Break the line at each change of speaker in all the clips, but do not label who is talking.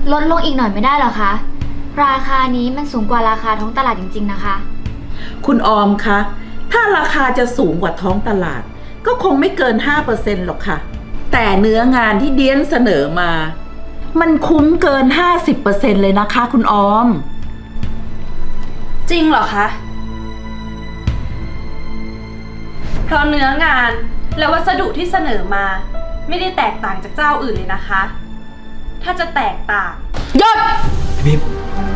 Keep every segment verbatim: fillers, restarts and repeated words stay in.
ลดลงอีกหน่อยไม่ได้เหรอคะราคานี้มันสูงกว่าราคาท้องตลาดจริงๆนะคะ
คุณออมคะถ้าราคาจะสูงกว่าท้องตลาดก็คงไม่เกิน ห้าเปอร์เซ็นต์ หรอกค่ะแต่เนื้องานที่เดียนเสนอมามันคุ้มเกิน ห้าสิบเปอร์เซ็นต์ เลยนะคะคุณออม
จริงเหรอคะเพราะเนื้องานและวัสดุที่เสนอมาไม่ได้แตกต่างจากเจ้าอื่นเลยนะคะถ้าจะแตกต่าง
หยุด
บีม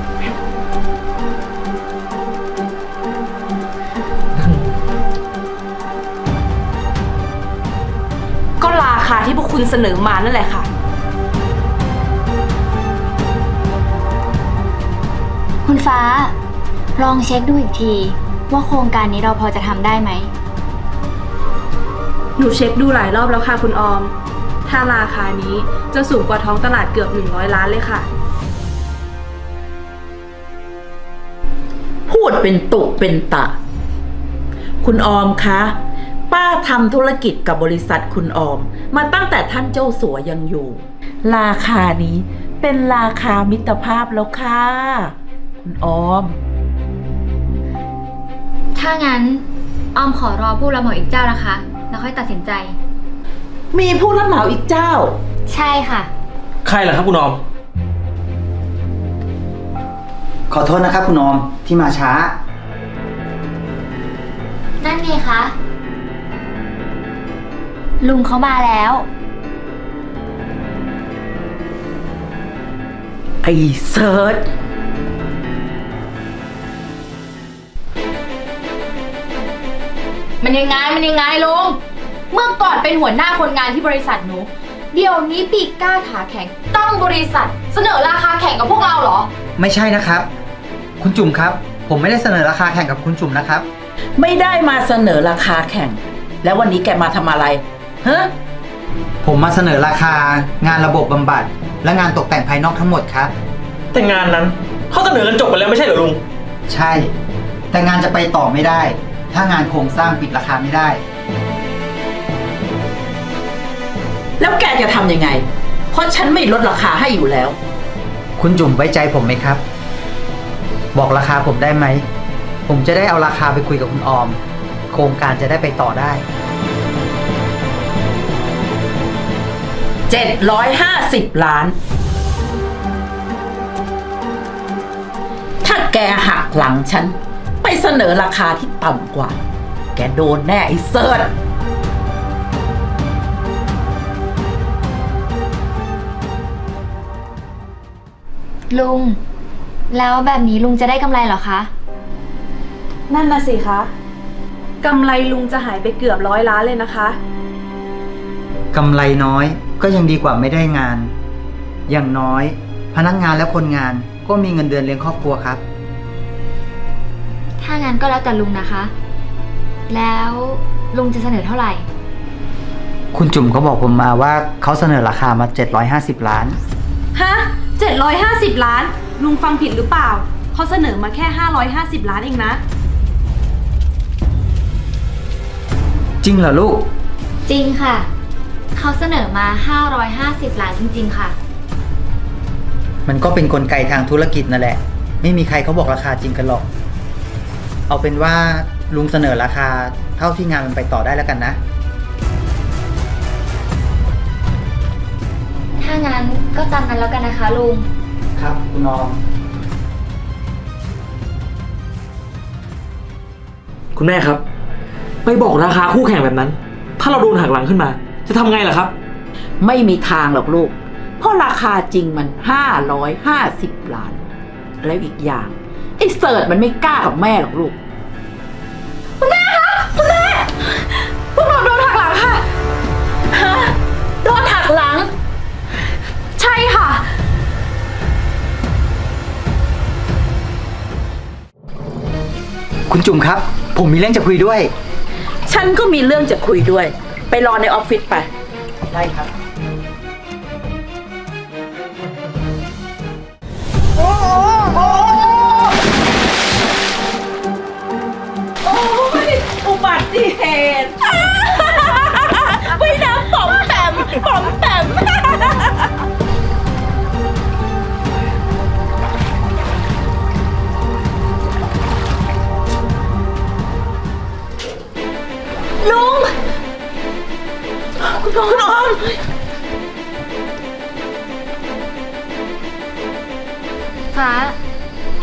ก็ราคาที่พวกคุณเสนอมานั่นแหละค่ะ
คุณฟ้าลองเช็คดูอีกทีว่าโครงการนี้เราพอจะทำได้ไหม
หนูเช็คดูหลายรอบแล้วค่ะคุณออมถ้าราคานี้จะสูงกว่าท้องตลาดเกือบหนึ่งร้อยล้านเลยค่ะ
พูดเป็นตุเป็นตะคุณออมคะป้าทำธุรกิจกับบริษัทคุณออมมาตั้งแต่ท่านเจ้าสัวยังอยู่ราคานี้เป็นราคามิตรภาพแล้วค่ะคุณออม
ถ้างั้นออมขอรอผู้รับเหมาอีกเจ้านะคะแล้วค่อยตัดสินใจ
มีผู้รับเหมาอีกเจ้า
ใช่ค่ะ
ใครล่ะครับคุณออม
ขอโทษนะครับคุณออมที่มาช้า
นั่นไงคะลุงเขามาแล้ว
ไอ้เซิร์ช
มันยังไงมันยังไงลุงเมื่อก่อนเป็นหัวหน้าคนงานที่บริษัทหนูเดี๋ยวนี้ปีกกล้าขาแข็งตั้งบริษัทเสนอราคาแข่งกับพวกเราเหรอ
ไม่ใช่นะครับคุณจุ๋มครับผมไม่ได้เสนอราคาแข่งกับคุณจุ๋มนะครับ
ไม่ได้มาเสนอราคาแข่งแล้ววันนี้แกมาทำอะไรฮะ
ผมมาเสนอราคางานระบบบำบัดและงานตกแต่งภายนอกทั้งหมดครับ
แต่งานนั้นเขาเสนอกันจบไปแล้วไม่ใช่เหรอลุง
ใช่แต่งานจะไปต่อไม่ได้ถ้างานโครงสร้างปิดราคาไม่ได้
แล้วแกจะทำยังไงเพราะฉันไม่ลดราคาให้อยู่แล้ว
คุณจุ๋มไว้ใจผมไหมครับบอกราคาผมได้ไหมผมจะได้เอาราคาไปคุยกับคุณออมโครงการจะได้ไปต่อได้
เจ็ดร้อยห้าสิบล้านถ้าแกหักหลังฉันไปเสนอราคาที่ต่ำกว่าแกโดนแน่ไอ้เซิร์ช
ลุงแล้วแบบนี้ลุงจะได้กำไรเหรอคะ
นั่นน่ะสิคะกำไรลุงจะหายไปเกือบร้อยล้านเลยนะคะ
กำไรน้อยก็ยังดีกว่าไม่ได้งานอย่างน้อยพนักงานและคนงานก็มีเงินเดือนเลี้ยงครอบครัวครับ
ถ้างั้นก็แล้วแต่ลุงนะคะ แล้วลุงจะเสนอเท่าไหร่
คุณจุ๋มเขาบอกผมมาว่าเขาเสนอราคามาเจ็ดร้อยห้าสิบล้าน
ฮะเจ็ดร้อยห้าสิบล้านลุงฟังผิดหรือเปล่าเขาเสนอมาแค่ห้าร้อยห้าสิบล้านเองนะ
จริงเหรอลูก
จริงค่ะเขาเสนอมาห้าร้อยห้าสิบล้านจริงๆค่ะ
มันก็เป็นกลไกทางธุรกิจนั่นแหละไม่มีใครเขาบอกราคาจริงกันหรอกเอาเป็นว่าลุงเสนอราคาเท่าที่งานมันไปต่อได้แล้วกันนะ
ถ้างั้นก็ตามนั้นแล้วกันนะคะลุง
ครับคุณน้อง
คุณแม่ครับไปบอกราคาคู่แข่งแบบนั้นถ้าเราโดนหักหลังขึ้นมาจะทำไงล่ะครับ
ไม่มีทางหรอกลูกเพราะราคาจริงมันห้าร้อยห้าสิบล้านแล้วอีกอย่างไอ้เสิร์ชมันไม่กล้ากับแม่หรอกลูก
คุณแม่คะคุณแม่พวกเราโดนหักหลังค่ะ
ฮะโดนหักหลัง
ใช่ค่ะ
คุณจุ๋มครับผมมีเรื่องจะคุยด้วย
ฉันก็มีเรื่องจะคุยด้วยไปรอในออฟฟิศไป
ได้ครับ
โอ้โหโอ้ยอุบัติเหตุไม่น้ำป๋อมแปมป๋อมแปม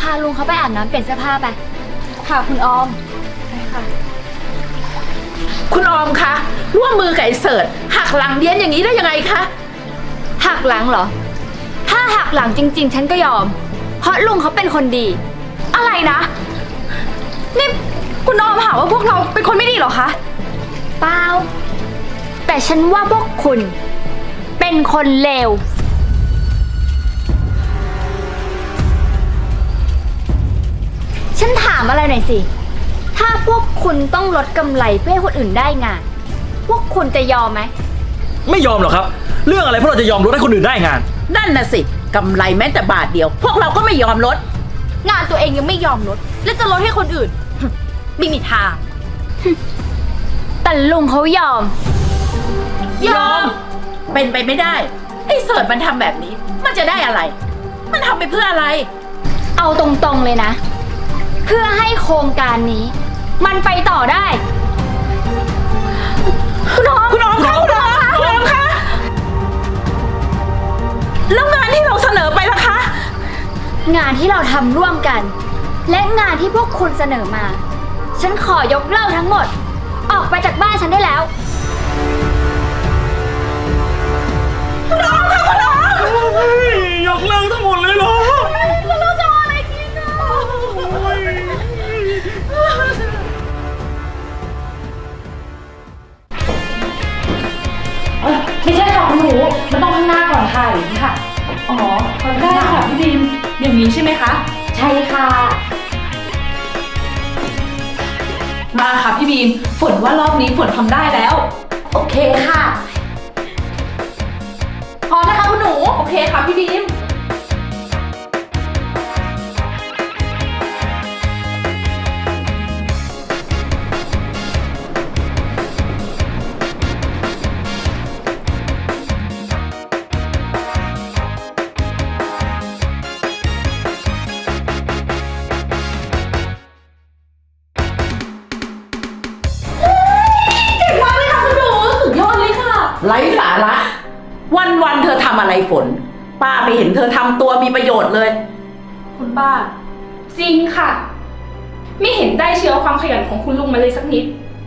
าลุงเขาไปอาบน้ำเปลี่ยนเสื้อผ้าไป
ค่ะคุณออมใช่ค่ะ
คุณออมคะร่วมมือกับไอ้เสิร์ชหักหลังเดียนอย่างนี้ได้ยังไงคะ
หักหลังเหรอ ถ้าหักหลังจริง ๆ ฉันก็ยอม เพราะลุงเขาเป็นคนดี
อะไรนะ นี่คุณออมหาว่าพวกเราเป็นคนไม่ดีเหรอคะ
เปล่า แต่ฉันว่าพวกคุณ เป็นคนเลว ฉันถามอะไรหน่อยสิ ถ้าพวกคุณต้องลดกำไรเพื่อให้คนอื่นได้งาน พวกคุณจะยอมไหม
ไม่ยอมหรอกครับ เรื่องอะไรพวกเราจะยอมลดให้คนอื่นได้งาน
นั่นน่ะสิกำไรแม้แต่บาทเดียว พวกเราก็ไม่ยอมลด
งานตัวเองยังไม่ยอมลด แล้วจะลดให้คนอื่น ไม่มีทาง
แต่ลุงเขายอม
ยอม เป็นไปไม่ได้ ไอ้เสิร์ชมันทำแบบนี้ มันจะได้อะไร มันทำไปเพื่ออะไร
เอาตรงๆเลยนะ เพื่อให้โครงการนี้ มันไปต่อได้
คุณออมคุณออมคะคุณออมคะคุณออมคะแล้วงานที่เราเสนอไปล่ะคะ
งานที่เราทำร่วมกัน และงานที่พวกคุณเสนอมา ฉันขอยกเลิกทั้งหมด ออกไปจากบ้านฉันได้แล้ว
คุณออมค่ะคุณออม
ยกเลิกทั้งหมดเลยเหรอ
เราจะเอาอะไรกินอ่ะ
ไม่ใช่ค่ะคุณหนู มันต้องข้างหน้าก่อนค่ะอย่างนี้ค่ะ อ๋อได้ค่ะพี่บีมอย่างนี้ใช่ไหมคะ
ใช่ค่ะ
มาค่ะพี่บีม ฝนว่ารอบนี้ฝนทำได้แล้ว
โอเคค่ะ
พร้อมนะคะคุณหนู โอเคค่ะพี่บีม
ไร้สาระ วันวันๆเธอทำอะไรฝน ป้าไม่เห็นเธอทำตัวมีประโยชน์เลย
คุณป้า จริงค่ะ ไม่เห็นได้เชื้อความขยันของคุณลุงมาเลยสักนิด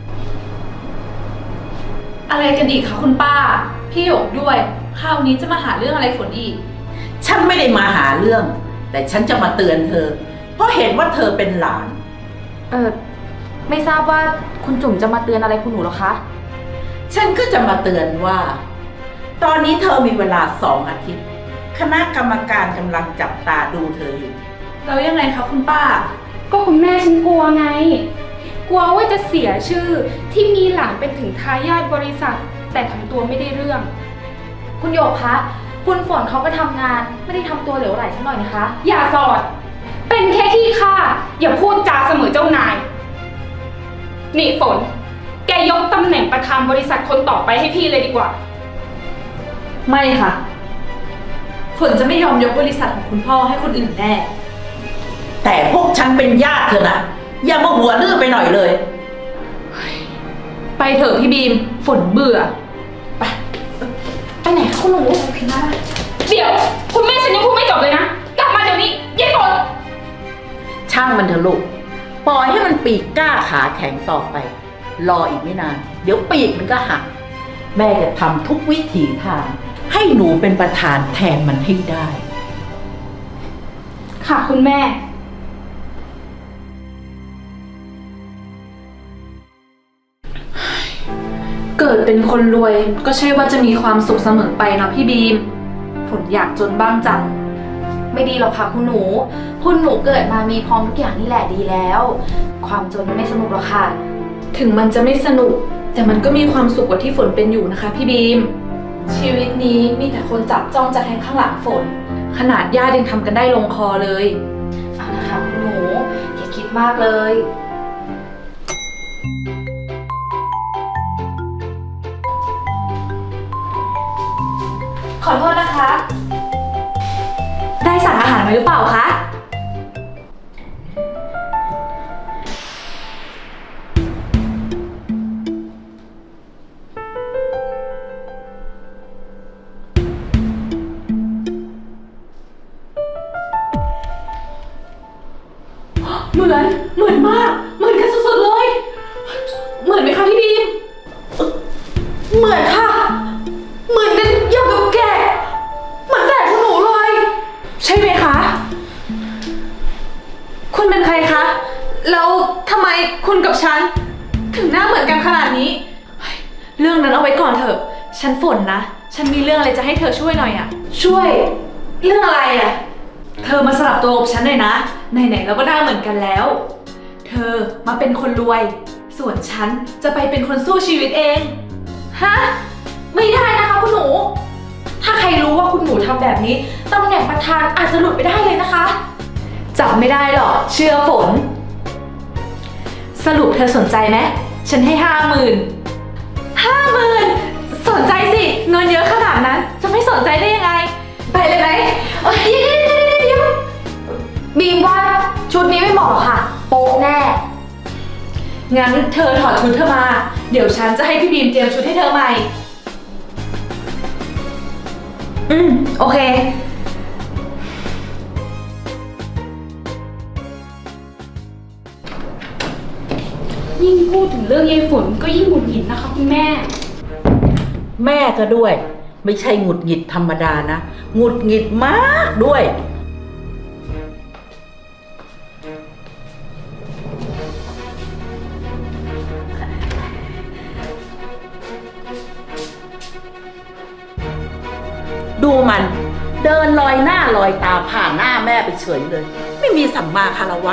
อะไรกันอีกคะคุณป้า พี่หยกด้วย คราวนี้จะมาหาเรื่องอะไรฝนอีก
ฉันไม่ได้มาหาเรื่อง แต่ฉันจะมาเตือนเธอ เพราะเห็นว่าเธอเป็นหลาน
เออไม่ทราบว่าคุณจุ๋มจะมาเตือนอะไรคุณหนูหรอคะ
ฉันก็จะมาเตือนว่า ตอนนี้เธอมีเวลาสองอาทิตย์ คณะกรรมการกำลังจับตาดูเธออยู่
แล้วยังไงคะคุณป้า
ก็คุณแม่ฉันกลัวไง กลัวว่าจะเสียชื่อที่มีหลานเป็นถึงทายาทบริษัท แต่ทำตัวไม่ได้เรื่อง
คุณโยกคะ คุณฝนเขาไปทำงาน ไม่ได้ทำตัวเหลวไหลสักหน่อยนะคะ
อย่าสอด เป็นแค่ขี้ข้าอย่าพูดจาเสมอเจ้านาย นี่ฝน แกยกตำแหน่งประธานบริษัทคนต่อไปให้พี่เลยดีกว่า
ไม่ค่ะ ฝนจะไม่ยอมยกบริษัทของคุณพ่อให้คนอื่นแน่
แต่พวกฉันเป็นญาติเธอนะ อย่ามาหัวดื้อไปหน่อยเลย
ไปเถอะพี่บีม ฝนเบื่อ ไป
ไปไหนคะคุณหนูเดี๋ยว คุณแม่ฉันยังพูดไม่จบเลยนะ กลับมาเดี๋ยวนี้ยายฝน
ช่างมันเถอะลูก ปล่อยให้มันปีกกล้าขาแข็งต่อไป รออีกไม่นาน เดี๋ยวปีกมันก็หัก แม่จะทำทุกวิถีทาง ให้หนูเป็นประธานแทนมันให้ได้
ค่ะคุณแม่
เกิดเป็นคนรวยก็ใช่ว่าจะมีความสุขเสมอไปเนาะพี่บีม ฝนอยากจนบ้างจัง
ไม่ดีหรอกค่ะคุณหนู คุณหนูเกิดมามีพร้อมทุกอย่างนี่แหละดีแล้ว ความจนไม่สนุกหรอกค่ะ
ถึงมันจะไม่สนุก แต่มันก็มีความสุขกว่าที่ฝนเป็นอยู่นะคะพี่บีม ชีวิตนี้มีแต่คนจับจ้องจะแทงข้างหลังฝน ขนาดญาติยังทำกันได้ลงคอเลย
เอานะคะคุณหนูอย่าคิดมากเลย
ขอโทษนะคะ ได้สั่งอาหารมาหรือเปล่าคะมือน เหมือนมาก เหมือนกันสุดๆเลย เหมือนไหมคะพี่บีม เหมือนค่ะ เหมือนกันอย่างกับแกะเหมือนแฝดคุณหนูเลย ใช่ไหมคะ คุณเป็นใครคะ แล้วทำไมคุณกับฉัน ถึงหน้าเหมือนกันขนาดนี้เฮ้ยเรื่องนั้นเอาไว้ก่อนเถอะ ฉันฝนนะ ฉันมีเรื่องอะไรจะให้เธอช่วยหน่อยอะช่วย เรื่องอะไรอะเธอมาสลับตัวกับฉันหน่อยนะ ไหนๆเราก็หน้าเหมือนกันแล้ว เธอมาเป็นคนรวย ส่วนฉันจะไปเป็นคนสู้ชีวิตเอง ฮะ ไม่ได้นะคะคุณหนู ถ้าใครรู้ว่าคุณหนูทำแบบนี้ตำแหน่งประธานอาจจะหลุดไปได้เลยนะคะ จับไม่ได้หรอกเชื่อฝน สรุปเธอสนใจไหมฉันให้ห้าหมื่นห้าหมื่นสนใจสิเงินเยอะขนาดนั้น จะไม่สนใจได้ยังไง ไปเลยไหมเอ้ยเดี๋ยวเดี๋ยวเดี๋ยวบีมว่าชุดนี้ไม่เหมาะค่ะ โป๊ะแน่ งั้นเธอถอดชุดเธอมา เดี๋ยวฉันจะให้พี่บีมเตรียมชุดให้เธอใหม่ อืม โอเค
ยิ่งพูดถึงเรื่องยายฝนก็ยิ่งหงุดหงิดนะคะคุณแม่
แม่ก็ด้วย ไม่ใช่หงุดหงิดธรรมดานะหงุดหงิดมากด้วย ดูมันเดินลอยหน้าลอยตาผ่านหน้าแม่ไปเฉยเลย ไม่มีสัมมาคารวะ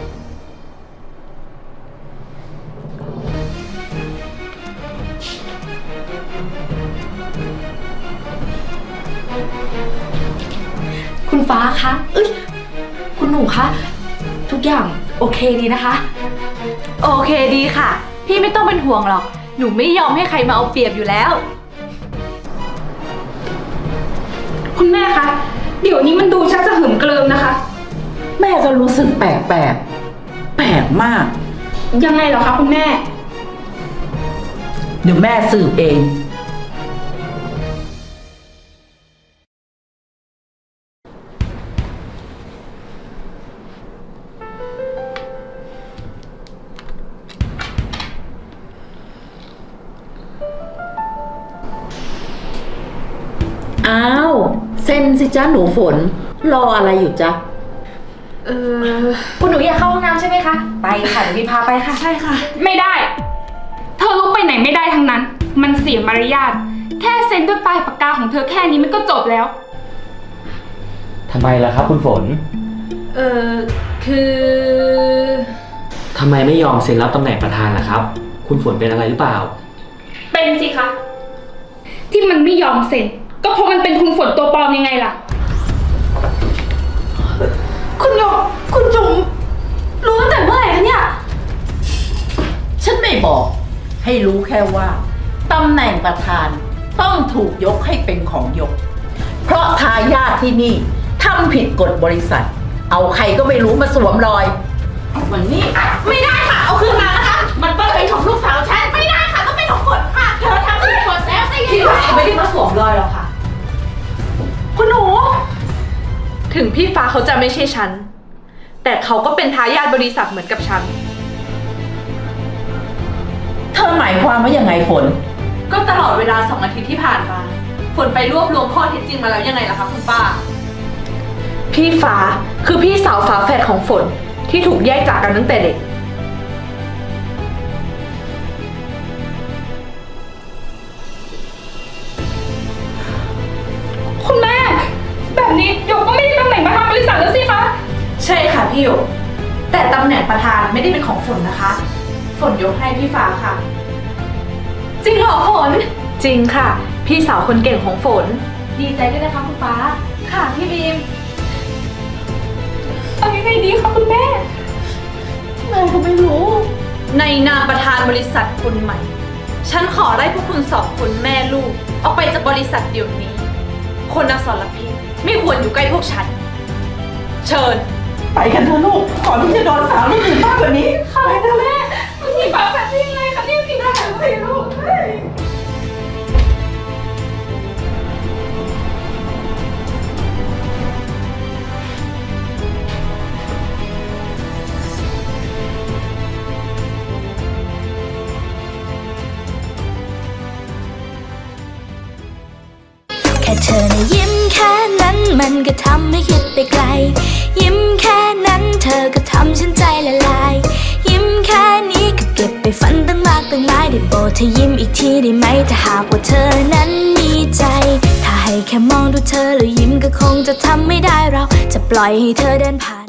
คุณฟ้าคะเอ้ย คุณหนูคะ ทุกอย่างโอเคดีนะคะ โอเคดีค่ะ พี่ไม่ต้องเป็นห่วงหรอก หนูไม่ยอมให้ใครมาเอาเปรียบอยู่แล้ว
คุณแม่คะ เดี๋ยวนี้มันดูชักจะหึมเกริมนะคะ
แม่ก็รู้สึกแปลกแปลกๆแปลกมาก
ยังไงเหรอคะคุณแม่
เดี๋ยวแม่สืบเอง อ้าว เซ็นสิจ้าหนูฝน รออะไรอยู่จ๊ะ
เออ
คุณหนูอยากเข้าห้องน้ำใช่ไหมคะ ไปค่ะเดี๋ยวพี่พาไปค่ะ
ใช่ค่ะ
ไม่ได้ เธอลุกไปไหนไม่ได้ทั้งนั้น มันเสียมารยาท แค่เซ็นด้วยปลายปากกาของเธอแค่นี้มันก็จบแล้ว
ทำไมล่ะครับคุณฝน
เออคือ
ทำไมไม่ยอมเซ็นรับตำแหน่งประธานล่ะครับ คุณฝนเป็นอะไรหรือเปล่า
เป็นสิคะ ที่มันไม่ยอมเซ็น ก็เพราะมันเป็นคุณฝนตัวปลอมยังไงล่ะ
คุณหยกคุณจุ๋มรู้ตั้งแต่เมื่อไหร่คะเนี่ย
ฉันไม่บอก ให้รู้แค่ว่าตำแหน่งประธานต้องถูกยกให้เป็นของยก เพราะทายาทที่นี่ทำผิดกฎบริษัท เอาใครก็ไม่รู้มาสวมรอยเอาวันนี้ไม่ได้ค่ะ เอาคืนมานะคะ มันต้องเป็นของลูกสาวฉันไม่ได้ค่ะต้องเป็นของฝนค่ะ เธอทำผิดกฎแล้วไม่
พี่
ได้
ฟ้าไม่ได้มาสวมรอยหรอกค่ะ คุณหนู ถึงพี่ฟ้าเขาจะไม่ใช่ฉัน แต่เขาก็เป็นทายาทบริษัทเหมือนกับฉัน
เธอหมายความว่ายังไงฝน
ก็ตลอดเวลาสองอาทิตย์ที่ผ่านมา ฝนไปรวบรวมข้อเท็จจริงมาแล้วยังไงล่ะคะคุณป้า พี่ฟ้าคือพี่สาวฝาแฝดของฝนที่ถูกแยกจากกันตั้งแต่เด็ก
คุณแม่ แบบนี้หยกก็ไม่ได้ตำแหน่งประธานบริษัทแล้วสิคะ
ใช่ค่ะพี่หยกแต่ตำแหน่งประธานไม่ได้เป็นของฝนนะคะ ฝนยกให้พี่ฟ้าค่ะ จริงเหรอฝน จริงค่ะ พี่สาวคนเก่งของฝน ดีใจด้วยนะคะคุณฟ้า ค่ะพี่บีม
เอายังไงดีคะคุณแม่
แม่ก็ไม่รู้ ในนามประธานบริษัทคนใหม่ ฉันขอไล่พวกคุณสองคนแม่ลูกออกไปจากบริษัทเดี๋ยวนี้ คนอสรพิษไม่ควรอยู่ใกล้พวกฉัน เชิญ
ไปกันเถอะลูก ก่อนที่จะโดนสาวคนอื่นมากกว่านี้
ค่ะแม่มันมีฝาแฝดได้ยังไงคะเนี่ยพี่ทหารสิลูก
ยิ้มแค่นั้นมันก็ทำให้คิดไปไกล ยิ้มแค่นั้นเธอก็ทำฉันใจละลาย ยิ้มแค่นี้ก็เก็บไปฝันตั้งมากตั้งหลายได้โปรดเธอยิ้มอีกทีได้ไหมถ้าหากว่าเธอนั้นมีใจ ถ้าให้แค่มองดูเธอแล้วยิ้มก็คงจะทำไม่ได้เราจะปล่อยให้เธอเดินผ่าน